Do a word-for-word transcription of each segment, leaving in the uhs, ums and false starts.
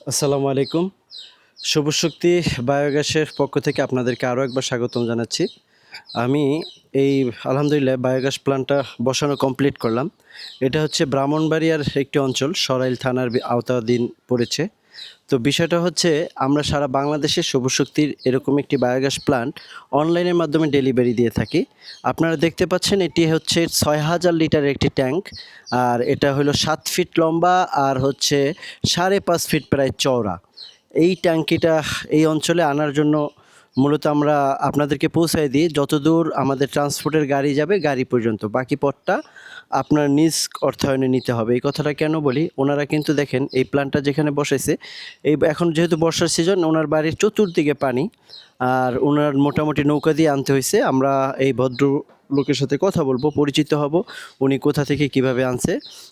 আসসালামু আলাইকুম। সবুজ শক্তি বায়োগ্যাসের পক্ষ থেকে আপনাদেরকে আরও একবার স্বাগতম জানাচ্ছি। আমি এই আলহামদুলিল্লাহ বায়োগ্যাস প্ল্যান্টটা বসানো কমপ্লিট করলাম। এটা হচ্ছে ব্রাহ্মণবাড়িয়ার একটি অঞ্চল, সরাইল থানার বি আওতাধীন পড়েছে। তো বিষয়টা হচ্ছে আমরা সারা বাংলাদেশে সবুজ শক্তির এরকম একটি বায়োগ্যাস প্ল্যান্ট অনলাইনের মাধ্যমে ডেলিভারি দিয়ে থাকি। আপনারা দেখতে পাচ্ছেন এটি হচ্ছে ছয় হাজার লিটারের একটি ট্যাঙ্ক। আর এটা হলো সাত ফিট লম্বা আর হচ্ছে সাড়ে পাঁচ ফিট প্রায় চওড়া। এই ট্যাঙ্কিটা এই অঞ্চলে আনার জন্য মূলত আমরা আপনাদেরকে পৌঁছায় দিই, যতদূর আমাদের ট্রান্সপোর্টের গাড়ি যাবে গাড়ি পর্যন্ত, বাকি পথটা আপনার নিজ অর্থায়নে নিতে হবে। এই কথাটা কেন বলি, ওনারা কিন্তু দেখেন এই প্ল্যান্টটা যেখানে বসাইছে, এই এখন যেহেতু বর্ষার সিজন, ওনার বাড়ির চতুর্দিকে পানি, আর ওনার মোটামুটি নৌকা দিয়ে আনতে হয়েছে। আমরা এই ভদ্র লোকের সাথে কথা বলবো, পরিচিত হব, উনি কোথা থেকে কিভাবে আনছে।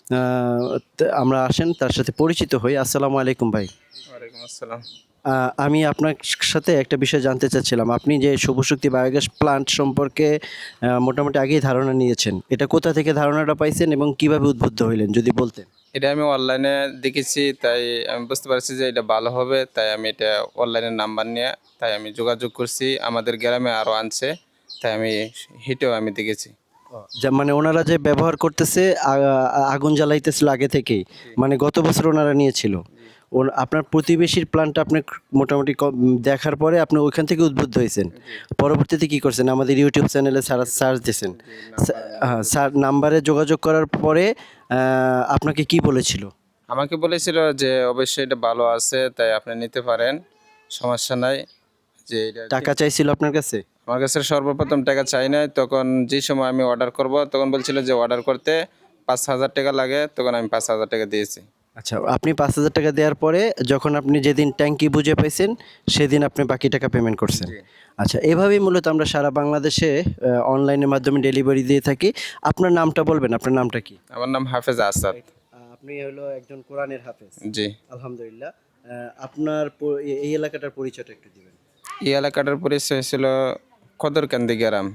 আমরা আসেন তার সাথে পরিচিত হই। আসসালামু আলাইকুম ভাই। ওয়ালাইকুম আসসালাম। আহ, আমি আপনার সাথে একটা বিষয় জানতে চাচ্ছিলাম, আপনি যে সবুজ শক্তি বায়োগ্যাস প্ল্যান্ট সম্পর্কে আহ, মোটামুটি আগেই ধারণা নিয়েছেন, এটা কোথা থেকে ধারণাটা পাইছেন এবং কিভাবে উদ্বুদ্ধ হইলেন যদি বলতেন। এটা আমি অনলাইনে দেখেছি, তাই আমি বুঝতে পারছি যে এটা ভালো হবে, তাই আমি এটা অনলাইনের নাম্বার নিয়ে তাই আমি যোগাযোগ করছি। আমাদের গ্রামে আরও আনছে, তাই আমি হিটেও আমি দেখেছি। যা মানে ওনারা যে ব্যবহার করতেছে, আ- আগুন জ্বালাইতেছিল আগে থেকেই, মানে গত বছর ওনারা নিয়েছিল। ওর আপনার প্রতিবেশীর প্ল্যানটা আপনি মোটামুটি ক- দেখার পরে আপনি ওইখান থেকে উদ্বুদ্ধ হয়েছেন। পরবর্তীতে কি করছেন, আমাদের ইউটিউব চ্যানেলে সারা সার্চ দিয়েছেন। হ্যাঁ, স্যার নাম্বারে যোগাযোগ করার পরে আহ, আপনাকে কি বলেছিল? আমাকে বলেছিল যে অবশ্যই এটা ভালো আছে, তাই আপনি নিতে পারেন, সমস্যা নাই। যে এটা টাকা চাইছিল আপনার কাছে? আমার কাছে সর্বপ্রথম টাকা চাই নাই, তখন যে সময় আমি অর্ডার করব তখন বলছিল যে অর্ডার করতে পাঁচ হাজার টাকা লাগে, তখন আমি পাঁচ হাজার টাকা দিয়েছি। আচ্ছা, আপনি পাঁচ হাজার টাকা দেওয়ার পরে যখন আপনি যেদিন ট্যাঙ্কি বুঝে পাইছেন সেদিন আপনি বাকি টাকা পেমেন্ট করছেন। জি। আচ্ছা, এভাবেই মূলত আমরা সারা বাংলাদেশে অনলাইনের মাধ্যমে ডেলিভারি দিয়ে থাকি। আপনার নামটা বলবেন, আপনার নামটা কি? আমার নাম হাফেজ আসাদ। আপনি হলো একজন কোরআনের হাফেজ। জি। আলহামদুলিল্লাহ। আহ, আপনার প- এ- এই এলাকাটার পরিচয়টা একটু দিবেন। এই এলাকাটার পরিচয় ছিল কদরকান্দি গ্রাম,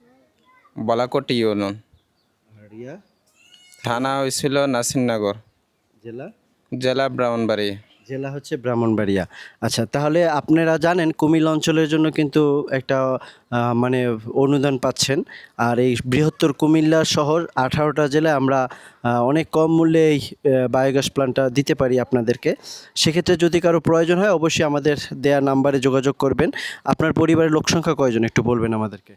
বলাকোটি ইউনিয়ন। আর রিয়া থানা হয়েছিল নাসিরনগর, জেলা? জেলা ব্রাহ্মণবাড়ি। জেলা হচ্ছে ব্রাহ্মণবাড়িয়া। আচ্ছা, তাহলে আপনারা জানেন কুমিল্লা অঞ্চলের জন্য কিন্তু একটা আহ, মানে অনুদান পাচ্ছেন। আর এই বৃহত্তর কুমিল্লা শহর আঠারোটা জেলায় আমরা আহ, অনেক কম মূল্যে এই বায়োগ্যাস প্ল্যান্টটা দিতে পারি আপনাদেরকে। সেক্ষেত্রে যদি কারো প্রয়োজন হয় অবশ্যই আমাদের দেয়া নাম্বারে যোগাযোগ করবেন। আপনার পরিবারের লোক সংখ্যা কয়জন একটু বলবেন আমাদেরকে।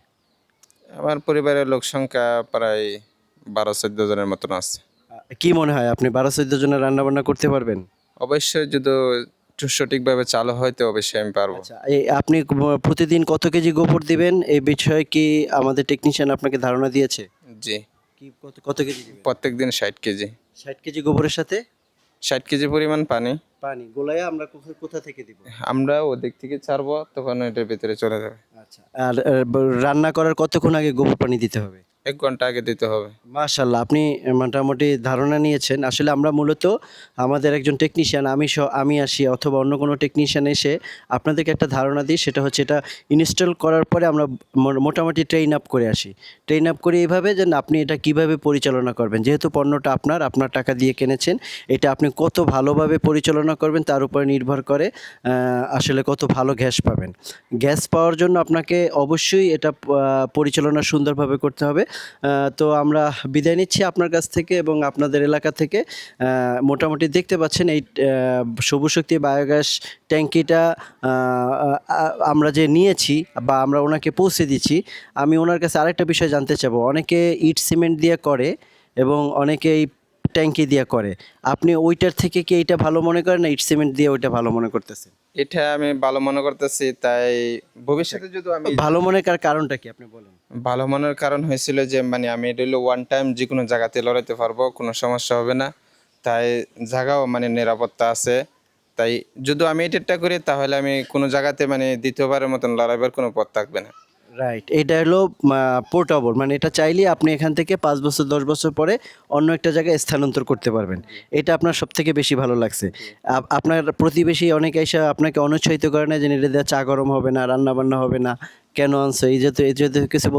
আমার পরিবারের লোক সংখ্যা প্রায় বারো চোদ্দ জনের মতন আছে। আহ, কি মনে হয় আপনি বারো চোদ্দ জনের রান্নাবান্না করতে পারবেন? অবশ্যই যদি সঠিকভাবে চালু হয় তো অবশ্যই আমি পারবো। আচ্ছা, এই আপনি ক- প্রতিদিন কত কেজি গোবর দিবেন এই বিষয়ে কি আমাদের টেকনিশিয়ান আপনাকে ধারণা দিয়েছে? জি। কি কত কত কেজি দিবেন? প্রত্যেক দিন ষাট কেজি, ষাট কেজি গোবরের সাথে ষাট কেজি পরিমাণ পানি পানি গোলায় আমরা কোথা কোথা থেকে দিব? আমরা ওদিক থেকে ছাড়বো, তখন এটার ভিতরে চলে যাবে। আচ্ছা, আর আহ, ব- রান্না করার কতক্ষণ আগে গোবর পানি দিতে হবে? এক ঘন্টা আগে দিতে হবে। মাশাল্লাহ, আপনি মোটামুটি ধারণা নিয়েছেন। আসলে আমরা মূলত আমাদের একজন টেকনিশিয়ান, আমি সহ আমি আসি অথবা অন্য কোনো টেকনিশিয়ান এসে আপনাদেরকে একটা ধারণা দিই, সেটা হচ্ছে এটা ইনস্টল করার পরে আমরা মো- মোটামুটি ট্রেন আপ করে আসি। ট্রেন আপ করি এইভাবে যে না, আপনি এটা কিভাবে পরিচালনা করবেন, যেহেতু পণ্যটা আপনার আপনার টাকা দিয়ে কিনেছেন, এটা আপনি কত ভালোভাবে পরিচালনা করবেন তার উপরে নির্ভর করে আহ, আসলে কত ভালো গ্যাস পাবেন। গ্যাস পাওয়ার জন্য আপনাকে অবশ্যই এটা আহ, পরিচালনা সুন্দরভাবে করতে হবে। আহ, তো আমরা বিদায় নিচ্ছি আপনার কাছ থেকে এবং আপনাদের এলাকা থেকে। আহ, মোটামুটি দেখতে পাচ্ছেন এই আহ, সবুজ শক্তি বায়োগ্যাস ট্যাঙ্কিটা আহ, আহ, আমরা যে নিয়েছি বা আমরা ওনাকে পৌঁছে দিচ্ছি। আমি ওনার কাছে আরেকটা বিষয় জানতে চাবো, অনেকে ইট সিমেন্ট দিয়ে করে এবং অনেকে এই ট্যাঙ্কি দিয়ে করে। আপনি ওইটার থেকে কি এইটা ভালো মনে করেন না ইট সিমেন্ট দিয়ে ওইটা ভালো মনে করতেছেন? এটা আমি ভালো মনে করতেছি, তাই ভবিষ্যতে যদি আমি ভালো মনে করার কারণটা কি আপনি বলেন? ভালো মনের কারণ হয়েছিল যে মানে আমি এটা হলো ওয়ান টাইম যে কোনো জায়গাতে লড়াইতে পারবো, কোনো সমস্যা হবে না, তাই জায়গাও মানে নিরাপত্তা আছে। তাই যদি আমি এটা করি তাহলে আমি কোনো জায়গাতে মানে দ্বিতীয়বারের মতন লড়াইবার কোনো পথ থাকবে না। রাইট, এটা হলো পোর্টেবল, মানে এটা চাইলে আপনি এখান থেকে পাঁচ বছর দশ বছর পরে অন্য একটা জায়গায় স্থানান্তর করতে পারবেন। এটা আপনার সব থেকে বেশি ভালো লাগছে। আপ- আপনার প্রতিবেশী অনেকে এসে আপনাকে অনুৎসাহিত করে না যে এটা দিয়ে চা গরম হবে না, রান্না বান্না হবে না, কেন আনছো, এই যেহেতু এই যেহেতু কিছু বলছে?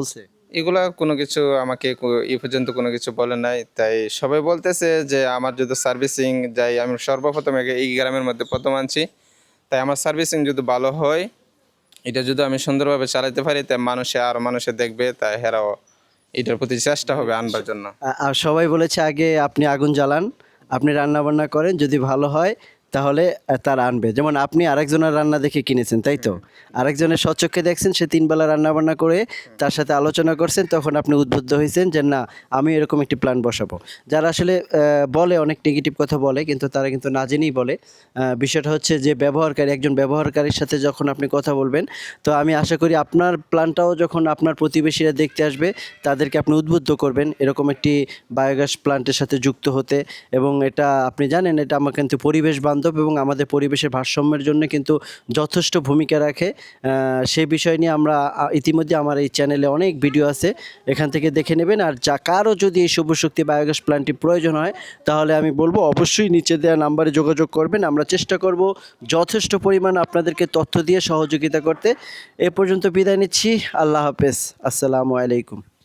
এগুলা কোনো কিছু আমাকে কো- এই পর্যন্ত কোনো কিছু বলে নাই। তাই সবাই বলতেছে যে আমার যদি সার্ভিসিং যাই, আমি সর্বপ্রথম একে- এই গ্রামের মধ্যে প্রথম আনছি, তাই আমার সার্ভিসিং যদি ভালো হয়, এটা যদি আমি সুন্দরভাবে চালাতে পারি, তাই মানুষে আরও মানুষে দেখবে, তাই হেরাও এটার প্রতি চেষ্টা হবে আনবার জন্য। আ- আর সবাই বলেছে আগে আপনি আগুন জ্বালান, আপনি রান্না বান্না করেন, যদি ভালো হয় তাহলে আহ, তারা আনবে। যেমন আপনি আরেকজনের রান্না দেখে কিনেছেন, তাই তো? আরেকজনের স্বচক্ষে দেখছেন, সে তিন বেলা রান্না বান্না করে তার সাথে আলোচনা করছেন, তখন আপনি উদ্বুদ্ধ হয়েছেন যে না, আমি এরকম একটি প্ল্যান বসাবো। যারা আসলে আহ, বলে অনেক নেগেটিভ কথা বলে, কিন্তু তারা কিন্তু না জেনেই বলে। আহ, বিষয়টা হচ্ছে যে ব্যবহারকারী, একজন ব্যবহারকারীর সাথে যখন আপনি কথা বলবেন, তো আমি আশা করি আপনার প্ল্যানটাও যখন আপনার প্রতিবেশীরা দেখতে আসবে, তাদেরকে আপনি উদ্বুদ্ধ করবেন এরকম একটি বায়োগ্যাস প্ল্যান্টের সাথে যুক্ত হতে। এবং এটা আপনি জানেন, এটা আমার কিন্তু পরিবেশ বান্ধব এবং আমাদের পরিবেশের ভারসাম্যের জন্য কিন্তু যথেষ্ট ভূমিকা রাখে। আহ, সেই বিষয় নিয়ে আমরা আ, ইতিমধ্যে আমার এই চ্যানেলে অনেক ভিডিও আছে, এখান থেকে দেখে নেবেন। আর যা কারো যদি এই সৌরশক্তি বায়োগ্যাস প্ল্যান্টটি প্রয়োজন হয়, তাহলে আমি বলবো অবশ্যই নিচে দেওয়া নাম্বারে যোগাযোগ করবেন। আমরা চেষ্টা করব যথেষ্ট পরিমাণ আপনাদেরকে তথ্য দিয়ে সহযোগিতা করতে। এ পর্যন্ত বিদায় নিচ্ছি। আল্লাহ হাফেজ। আসসালামু আলাইকুম।